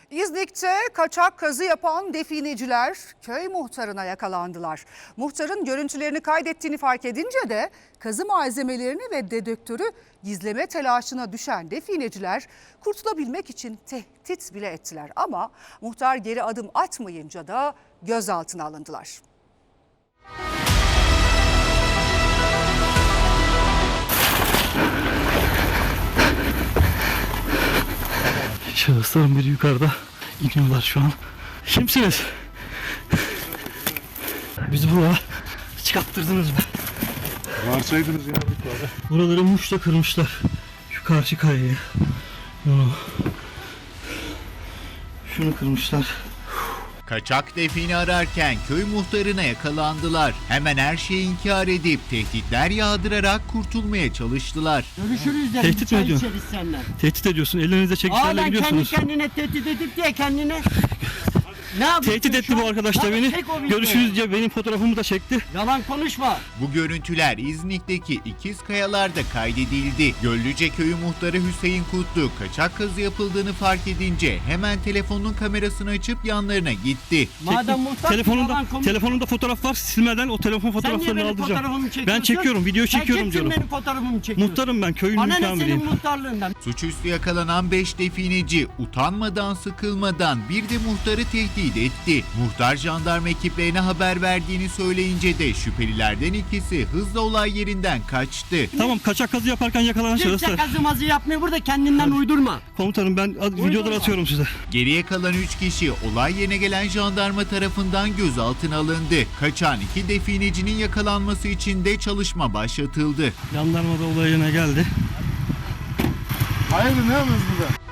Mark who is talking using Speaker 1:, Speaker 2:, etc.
Speaker 1: İznik'te kaçak kazı yapan defineciler köy muhtarına yakalandılar. Muhtarın görüntülerini kaydettiğini fark edince de kazı malzemelerini ve dedektörü gizleme telaşına düşen defineciler kurtulabilmek için tehdit bile ettiler. Ama muhtar geri adım atmayınca da gözaltına alındılar.
Speaker 2: Şahısların biri yukarıda, iniyorlar şu an. Kimsiniz? Bizi buraya çıkarttırdınız mı?
Speaker 3: Varsaydınız ya yukarıda.
Speaker 2: Buraları muşla kırmışlar. Şu karşı kayayı. Bunu. Şunu kırmışlar.
Speaker 4: Kaçak defini ararken köy muhtarına yakalandılar. Hemen her şeyi inkar edip tehditler yağdırarak kurtulmaya çalıştılar.
Speaker 5: Görüşürüz dedim.
Speaker 2: Tehdit mi
Speaker 5: çay
Speaker 2: ediyorsun?
Speaker 5: içeriz senden.
Speaker 2: Tehdit ediyorsun. Elinizde çekişlerle
Speaker 5: Aa, ben kendi
Speaker 2: gidiyorsunuz.
Speaker 5: kendine tehdit edip diye kendine. Ne yapıyorsun
Speaker 2: Tehdit
Speaker 5: şu
Speaker 2: etti
Speaker 5: an?
Speaker 2: bu arkadaş da
Speaker 5: Hadi
Speaker 2: beni.
Speaker 5: çek o videoyu.
Speaker 2: Görüşürüz diye benim fotoğrafımı da çekti.
Speaker 5: Yalan konuşma.
Speaker 4: Bu görüntüler İznik'teki İkizkayalar'da kaydedildi. Göllüce Köyü muhtarı Hüseyin Kutlu kaçak kazı yapıldığını fark edince hemen telefonun kamerasını açıp yanlarına gitti.
Speaker 5: Madem muhtar
Speaker 2: Telefonunda fotoğraf var. Silmeden o telefon
Speaker 5: sen niye
Speaker 2: fotoğraflarını
Speaker 5: benim
Speaker 2: aldıracağım.
Speaker 5: fotoğrafımı çekiyorsun?
Speaker 2: Ben çekiyorum, video çekiyorum
Speaker 5: Sen
Speaker 2: diyorum.
Speaker 5: kimsin benim fotoğrafımı çekiyorsun?
Speaker 2: Muhtarım ben, köyün
Speaker 5: Bana ne senin
Speaker 2: mükamiriyim.
Speaker 5: muhtarlığından?
Speaker 4: Suçüstü yakalanan 5 defineci utanmadan sıkılmadan bir de muhtarı tehdit etti. Muhtar jandarma ekiplerine haber verdiğini söyleyince de şüphelilerden ikisi hızla olay yerinden kaçtı.
Speaker 2: Tamam, kaçak kazı yaparken yakalanan
Speaker 5: Kimse
Speaker 2: şahıslar.
Speaker 5: kazımazı yapmıyor burada, kendinden uydurma.
Speaker 2: Komutanım ben videoları atıyorum size.
Speaker 4: Geriye kalan 3 kişi olay yerine gelen jandarma tarafından gözaltına alındı. Kaçan 2 definecinin yakalanması için de çalışma başlatıldı.
Speaker 2: Jandarma da olay yerine geldi.
Speaker 3: Hayırdır ne yapıyorsunuz burada?